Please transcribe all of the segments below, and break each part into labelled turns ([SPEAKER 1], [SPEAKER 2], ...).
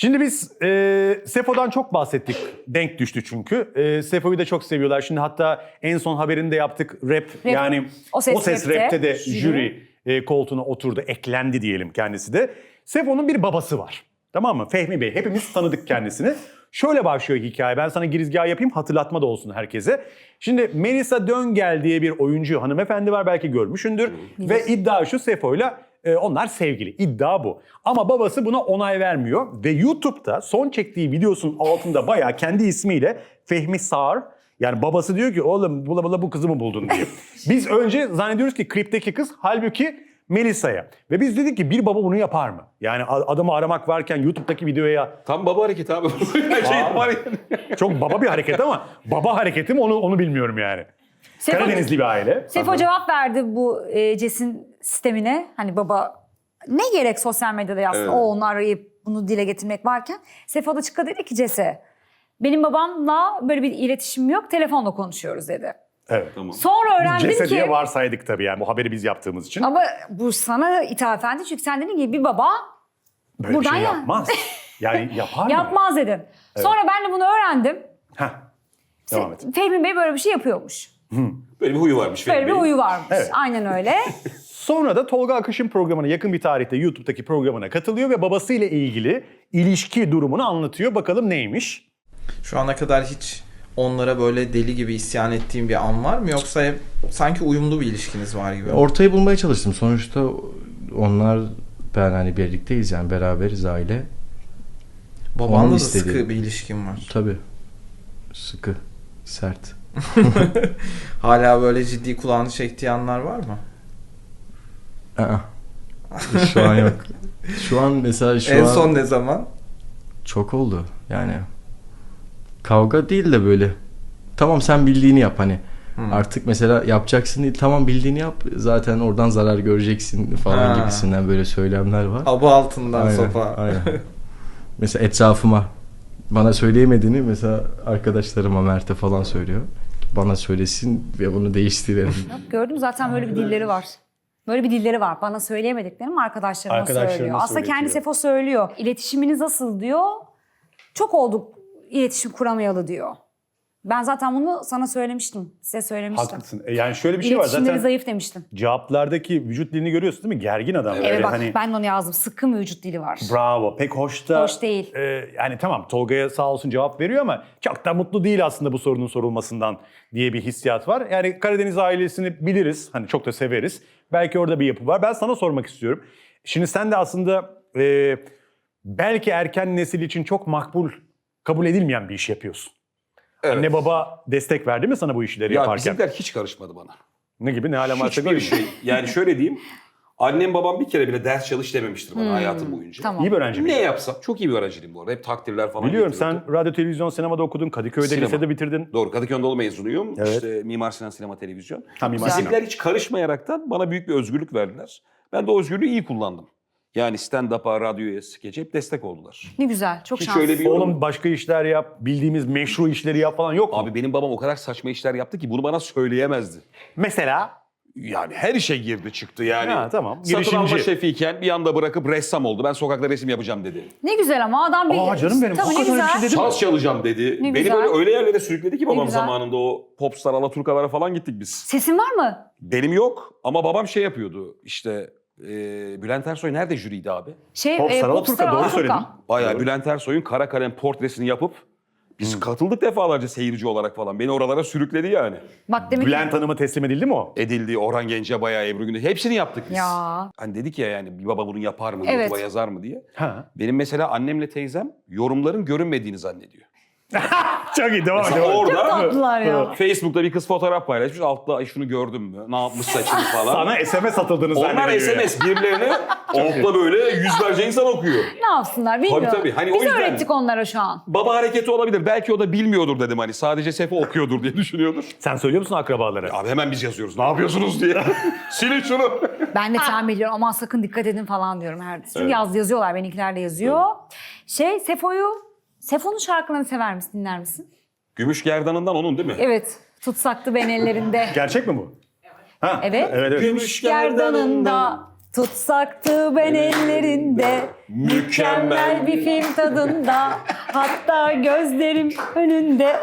[SPEAKER 1] Şimdi biz Sefo'dan çok bahsettik. Denk düştü çünkü. Sefo'yu da çok seviyorlar. Şimdi hatta en son haberinde yaptık. Rap yani
[SPEAKER 2] O Ses
[SPEAKER 1] Rap'te de
[SPEAKER 2] jüri
[SPEAKER 1] koltuğuna oturdu. Eklendi diyelim kendisi de. Sefo'nun bir babası var. Tamam mı? Fehmi Bey. Hepimiz tanıdık kendisini. Şöyle başlıyor hikaye. Ben sana girizgah yapayım, hatırlatma da olsun herkese. Şimdi Melisa Döngel diye bir oyuncu hanımefendi var, belki görmüşsündür. Ve iddia şu, Sefo'yla onlar sevgili. İddia bu. Ama babası buna onay vermiyor. Ve YouTube'da son çektiği videosunun altında bayağı kendi ismiyle Fehmi Sağır, yani babası diyor ki oğlum bu kızı mı buldun diye. Biz önce zannediyoruz ki klipteki kız, halbuki Melisa'ya. Ve biz dedik ki bir baba bunu yapar mı? Yani adamı aramak varken YouTube'daki videoya...
[SPEAKER 3] Tam baba hareketi abi.
[SPEAKER 1] Çok baba bir hareket ama baba hareketi mi onu bilmiyorum yani. Karadenizli bir aile.
[SPEAKER 2] Sefo cevap verdi bu CES'in sistemine. Hani baba ne gerek sosyal medyada yazsın.
[SPEAKER 3] Evet.
[SPEAKER 2] O onu arayıp bunu dile getirmek varken. Sefo da çıktı dedi ki CES'e, benim babamla böyle bir iletişimim yok, telefonla konuşuyoruz dedi.
[SPEAKER 1] Evet.
[SPEAKER 3] Tamam.
[SPEAKER 2] Sonra öğrendim
[SPEAKER 1] Cese
[SPEAKER 2] ki...
[SPEAKER 1] diye varsaydık tabii yani bu haberi biz yaptığımız için.
[SPEAKER 2] Ama bu sana ithafen, çünkü sen dedin ki bir baba
[SPEAKER 1] Böyle
[SPEAKER 2] buradan
[SPEAKER 1] bir şey
[SPEAKER 2] ya.
[SPEAKER 1] yapmaz. Yani yapar mı?
[SPEAKER 2] yapmaz dedin. Sonra ben de bunu öğrendim.
[SPEAKER 1] Heh. Devam et.
[SPEAKER 2] Fehmi Bey böyle bir şey yapıyormuş.
[SPEAKER 3] Böyle bir huyu varmış.
[SPEAKER 2] Böyle bir
[SPEAKER 3] Fehmi Bey'in.
[SPEAKER 2] huyu varmış.
[SPEAKER 1] Evet.
[SPEAKER 2] Aynen öyle.
[SPEAKER 1] Sonra da Tolga Akış'ın programına, yakın bir tarihte YouTube'daki programına katılıyor ve babasıyla ilgili ilişki durumunu anlatıyor. Bakalım neymiş?
[SPEAKER 4] Şu ana kadar hiç onlara böyle deli gibi isyan ettiğim bir an var mı? Yoksa hep sanki uyumlu bir ilişkiniz var gibi.
[SPEAKER 5] Ortayı bulmaya çalıştım. Sonuçta onlar, ben hani birlikteyiz yani, beraberiz, aile.
[SPEAKER 4] Babanla
[SPEAKER 5] Onun
[SPEAKER 4] da
[SPEAKER 5] istediği.
[SPEAKER 4] sıkı bir ilişkin var.
[SPEAKER 5] Tabii. Sıkı, sert.
[SPEAKER 4] Hala böyle ciddi kulağını çektiği anlar var mı?
[SPEAKER 5] Aa. Şu an yok. Şu an mesela
[SPEAKER 4] En son ne zaman?
[SPEAKER 5] çok oldu yani. Kavga değil de böyle. Tamam sen bildiğini yap hani. Artık mesela yapacaksın değil, tamam bildiğini yap. Zaten oradan zarar göreceksin falan gibisinden böyle söylemler var.
[SPEAKER 4] Aba altından
[SPEAKER 5] Aynen,
[SPEAKER 4] sopa.
[SPEAKER 5] aynen. Mesela etrafıma bana söyleyemediğini mesela arkadaşlarıma, Mert'e falan söylüyor. Bana söylesin ve bunu değiştirelim.
[SPEAKER 2] Gördüm zaten böyle bir dilleri var. Böyle bir dilleri var. Bana söyleyemediklerim arkadaşlarıma söylüyor. Aslında kendi
[SPEAKER 1] söyletiyor.
[SPEAKER 2] Sefo söylüyor. İletişiminiz nasıl diyor. Çok olduk iletişim kuramayalı diyor. Ben zaten bunu sana söylemiştim. Size söylemiştim.
[SPEAKER 1] Haklısın. Yani şöyle bir şey var
[SPEAKER 2] İletişimleri
[SPEAKER 1] zaten.
[SPEAKER 2] zayıf demiştim.
[SPEAKER 1] Cevaplardaki vücut dilini görüyorsun değil mi? Gergin adam.
[SPEAKER 2] Evet
[SPEAKER 1] Böyle
[SPEAKER 2] bak
[SPEAKER 1] hani,
[SPEAKER 2] ben de onu yazdım. Sıkı bir vücut dili var.
[SPEAKER 1] bravo. Pek hoş da.
[SPEAKER 2] Hoş değil.
[SPEAKER 1] Yani tamam, Tolga'ya sağ olsun cevap veriyor ama çok da mutlu değil aslında bu sorunun sorulmasından diye bir hissiyat var. Yani Karadeniz ailesini biliriz. Hani çok da severiz. Belki orada bir yapı var. Ben sana sormak istiyorum. Şimdi sen de aslında belki erken nesil için çok makbul, kabul edilmeyen bir iş yapıyorsun.
[SPEAKER 3] Evet.
[SPEAKER 1] Anne baba destek verdi mi sana bu işleri
[SPEAKER 3] Ya
[SPEAKER 1] yaparken?
[SPEAKER 3] bizimkiler hiç karışmadı bana.
[SPEAKER 1] Ne gibi? Ne alem varsa
[SPEAKER 3] Hiçbir
[SPEAKER 1] göreyim.
[SPEAKER 3] şey. Yani şöyle diyeyim. Annem babam bir kere bile ders çalış dememiştir bana hayatım boyunca.
[SPEAKER 2] Tamam.
[SPEAKER 1] İyi bir öğrenci
[SPEAKER 3] Ne
[SPEAKER 1] miydin?
[SPEAKER 3] yapsam, çok iyi bir öğrenciydim bu arada. Hep takdirler falan
[SPEAKER 1] Biliyorum,
[SPEAKER 3] getirirdi.
[SPEAKER 1] sen radyo, televizyon, sinemada okudun. Kadıköy'de
[SPEAKER 3] Sinema.
[SPEAKER 1] lisede bitirdin.
[SPEAKER 3] Doğru, Kadıköy Anadolu mezunuyum.
[SPEAKER 1] Evet.
[SPEAKER 3] İşte Mimar Sinan Sinema Televizyon.
[SPEAKER 1] Ha, Mimar Sinan.
[SPEAKER 3] Bizimkiler hiç karışmayaraktan bana büyük bir özgürlük verdiler. Ben de o özgürlüğü iyi kullandım. Yani stand-up'a, radyoya, skeçe hep destek oldular.
[SPEAKER 2] Ne güzel. Çok
[SPEAKER 3] Hiç
[SPEAKER 2] şanslı.
[SPEAKER 3] öyle bir
[SPEAKER 1] Oğlum başka işler yap, bildiğimiz meşru işleri yap falan yok mu?
[SPEAKER 3] Abi benim babam o kadar saçma işler yaptı ki bunu bana söyleyemezdi.
[SPEAKER 1] Mesela?
[SPEAKER 3] Yani her işe girdi çıktı yani.
[SPEAKER 1] Ha, tamam.
[SPEAKER 3] Satın alma
[SPEAKER 1] Girişimci.
[SPEAKER 3] şefiyken bir anda bırakıp ressam oldu. Ben sokakta resim yapacağım dedi.
[SPEAKER 2] Ne güzel ama adam bir...
[SPEAKER 1] Aa, canım benim,
[SPEAKER 2] Tabii ne
[SPEAKER 1] hakikaten öyle bir şey
[SPEAKER 2] güzel.
[SPEAKER 1] dedi mi?
[SPEAKER 3] Saz çalacağım dedi.
[SPEAKER 2] Ne
[SPEAKER 3] Beni
[SPEAKER 2] güzel.
[SPEAKER 3] böyle öyle yerlere sürükledi ki babam
[SPEAKER 2] güzel.
[SPEAKER 3] zamanında, o popstar Alaturkalara falan gittik biz.
[SPEAKER 2] Sesin var mı?
[SPEAKER 3] Benim yok ama babam şey yapıyordu işte, Bülent Ersoy nerede jüriydi abi?
[SPEAKER 1] Popstar Alaturka, doğru
[SPEAKER 2] Alaturka.
[SPEAKER 1] söyledin.
[SPEAKER 3] Bayağı
[SPEAKER 1] Doğru.
[SPEAKER 3] Bülent Ersoy'un kara kalem portresini yapıp biz katıldık defalarca seyirci olarak falan. Beni oralara sürükledi yani.
[SPEAKER 2] Bak demek
[SPEAKER 1] Bülent Hanım'a teslim edildi mi o?
[SPEAKER 3] Edildi, Orhan Gencebay'a, Ebru Gündeş, hepsini yaptık biz.
[SPEAKER 2] Ya.
[SPEAKER 3] Hani dedik ya yani bir baba bunu yapar mı,
[SPEAKER 2] Evet.
[SPEAKER 3] YouTube'a yazar mı diye.
[SPEAKER 1] Ha.
[SPEAKER 3] Benim mesela annemle teyzem yorumların görünmediğini zannediyor.
[SPEAKER 1] Çok iyi, devam
[SPEAKER 3] Mesela
[SPEAKER 1] et.
[SPEAKER 2] Çok
[SPEAKER 3] orada
[SPEAKER 2] tatlılar ya.
[SPEAKER 3] Facebook'ta bir kız fotoğraf paylaşmış. Altta "Ay şunu gördün mü? Ne yapmış saçını falan.
[SPEAKER 1] Sana SMS atıldığını
[SPEAKER 3] Onlar
[SPEAKER 1] zannediyor.
[SPEAKER 3] SMS birbirlerine altta böyle yüzlerce insan okuyor.
[SPEAKER 2] Ne yapsınlar bilmiyorum.
[SPEAKER 3] Tabii. Hani
[SPEAKER 2] Biz
[SPEAKER 3] o yüzden-
[SPEAKER 2] öğrettik onlara şu an.
[SPEAKER 3] Baba hareketi olabilir. Belki o da bilmiyordur dedim hani. Sadece Sefo okuyordur diye düşünüyordur.
[SPEAKER 1] Sen söylüyor musun akrabalara?
[SPEAKER 3] Abi hemen biz yazıyoruz. Ne yapıyorsunuz diye. Silin şunu.
[SPEAKER 2] Ben de tahmin ediyorum, aman sakın dikkat edin falan diyorum her. Çünkü yazıyorlar, benimkiler de yazıyor. Sefo'nun şarkılarını sever misin, dinler misin?
[SPEAKER 3] Gümüş gerdanından onun değil mi?
[SPEAKER 2] Evet. Tutsaktı ben ellerinde.
[SPEAKER 1] Gerçek mi bu? Ha.
[SPEAKER 2] Evet.
[SPEAKER 1] Evet.
[SPEAKER 2] Gümüş gerdanında Tutsaktı ben ellerinde, mükemmel bir film tadında, hatta gözlerim önünde.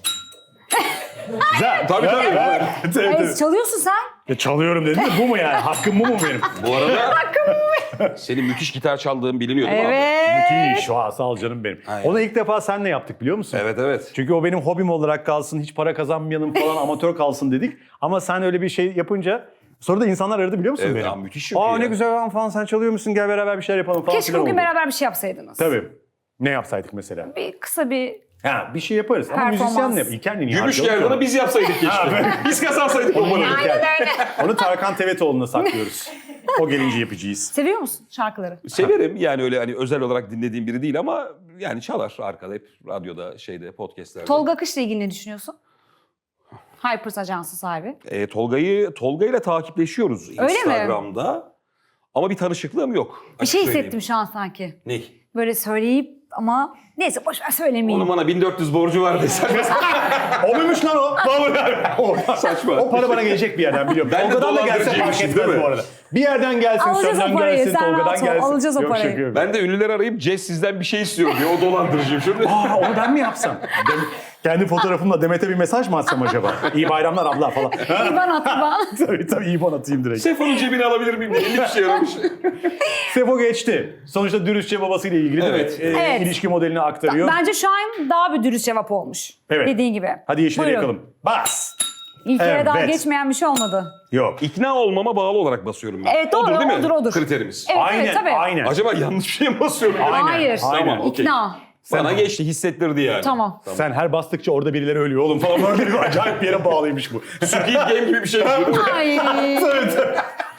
[SPEAKER 1] Güzel.
[SPEAKER 3] Tabii tabii.
[SPEAKER 1] Evet, evet, evet.
[SPEAKER 2] Çalıyorsun sen.
[SPEAKER 1] Ya çalıyorum dedim de bu mu yani? Hakkım bu mu benim?
[SPEAKER 3] Bu arada senin müthiş gitar çaldığın biliniyor değil mi abi?
[SPEAKER 2] Evet.
[SPEAKER 1] Müthiş. Vay, sağ ol canım benim.
[SPEAKER 3] Aynen.
[SPEAKER 1] Onu ilk defa seninle yaptık biliyor musun?
[SPEAKER 3] Evet evet.
[SPEAKER 1] Çünkü o benim hobim olarak kalsın, hiç para kazanmayalım falan, amatör kalsın dedik. Ama sen öyle bir şey yapınca sonra da insanlar aradı biliyor musun
[SPEAKER 3] Evet,
[SPEAKER 1] beni?
[SPEAKER 3] ya müthiş çünkü
[SPEAKER 1] Aa
[SPEAKER 3] ya.
[SPEAKER 1] ne güzel lan falan, sen çalıyor musun, gel beraber bir şeyler yapalım falan
[SPEAKER 2] Keşke
[SPEAKER 1] filan
[SPEAKER 2] bugün
[SPEAKER 1] oldu.
[SPEAKER 2] beraber bir şey yapsaydınız.
[SPEAKER 1] Tabii. Ne yapsaydık mesela?
[SPEAKER 2] Kısa bir
[SPEAKER 1] Ha bir şey yaparız ama
[SPEAKER 2] Performans.
[SPEAKER 1] müzisyenle yap. İlker niye
[SPEAKER 3] Gümüş
[SPEAKER 1] harcayalım
[SPEAKER 3] gerdanı
[SPEAKER 1] ki
[SPEAKER 3] biz yapsaydık keşke. Biz kazansaydık o parayı.
[SPEAKER 1] onu? Onu Tarkan Tevetoğlu'na saklıyoruz. O gelince yapacağız.
[SPEAKER 2] Seviyor musun şarkıları?
[SPEAKER 3] Severim yani öyle hani özel olarak dinlediğim biri değil ama yani çalar arkada hep radyoda şeyde podcastlerde.
[SPEAKER 2] Tolga Akış'la ilgili ne düşünüyorsun? Hypers Ajansı sahibi.
[SPEAKER 3] Tolga ile takipleşiyoruz
[SPEAKER 2] mi?
[SPEAKER 3] Instagram'da. Ama bir tanışıklığım yok.
[SPEAKER 2] Bir şey
[SPEAKER 3] açık söyleyeyim.
[SPEAKER 2] hissettim şu an sanki.
[SPEAKER 3] Ne?
[SPEAKER 2] Böyle söyleyip ama neyse boş ver söylemeyeyim.
[SPEAKER 3] Onun bana 1400 borcu var desen.
[SPEAKER 1] O muymuş lan o? Vallahi.
[SPEAKER 3] Saçma.
[SPEAKER 1] O para bana gelecek bir yerden biliyorum.
[SPEAKER 3] Ben de
[SPEAKER 1] Tolga'dan da gelse fark
[SPEAKER 3] dolandırıcıymışım,
[SPEAKER 1] etmez
[SPEAKER 3] değil mi?
[SPEAKER 1] bu arada. Bir yerden gelsin,
[SPEAKER 2] Alacağız
[SPEAKER 1] senden
[SPEAKER 2] o parayı,
[SPEAKER 1] gelsin,
[SPEAKER 2] sen
[SPEAKER 1] Tolga'dan
[SPEAKER 2] rahat ol,
[SPEAKER 1] gelsin.
[SPEAKER 2] alacağız o
[SPEAKER 1] Yok,
[SPEAKER 2] parayı.
[SPEAKER 1] şaka yapıyorum.
[SPEAKER 3] Ben de ünlüler arayıp Jess sizden bir şey istiyor diye o dolandırıcıyım şimdi.
[SPEAKER 1] Aa onu ben mi yapsam? Kendi fotoğrafımla Demet'e bir mesaj mı atsam acaba? İyi bayramlar abla falan.
[SPEAKER 2] İban at İban.
[SPEAKER 1] tabii İban atayım direkt.
[SPEAKER 3] Sefo'nun cebini alabilir miyim diye 50 kişi aramış.
[SPEAKER 1] Sefo geçti. Sonuçta dürüstçe babasıyla ilgili değil mi?
[SPEAKER 3] Evet.
[SPEAKER 2] Evet.
[SPEAKER 1] İlişki modelini aktarıyor.
[SPEAKER 2] Bence şu an daha bir dürüst cevap olmuş.
[SPEAKER 1] Evet.
[SPEAKER 2] Dediğin gibi.
[SPEAKER 1] Hadi yeşili
[SPEAKER 2] Buyurun.
[SPEAKER 1] yakalım. Bas.
[SPEAKER 2] İlk kere daha
[SPEAKER 1] Evet.
[SPEAKER 2] geçmeyen bir şey olmadı.
[SPEAKER 1] Yok.
[SPEAKER 3] İkna olmama bağlı olarak basıyorum ben.
[SPEAKER 2] Evet, doğru,
[SPEAKER 3] Odur değil mi?
[SPEAKER 2] odur.
[SPEAKER 3] Kriterimiz.
[SPEAKER 2] Evet,
[SPEAKER 1] Aynen,
[SPEAKER 2] evet tabii.
[SPEAKER 1] aynen.
[SPEAKER 3] Acaba yanlış bir şey mi basıyorum?
[SPEAKER 1] Aynen,
[SPEAKER 2] Hayır.
[SPEAKER 1] aynen.
[SPEAKER 3] Tamam, okey.
[SPEAKER 2] İkna.
[SPEAKER 3] Bana geçti, hissettirdi yani.
[SPEAKER 2] Tamam.
[SPEAKER 1] Sen her bastıkça orada birileri ölüyor oğlum falan. Böyle bir acayip bir yere bağlıymış bu.
[SPEAKER 3] Squid Game gibi bir şey.
[SPEAKER 2] Ay.
[SPEAKER 1] Evet.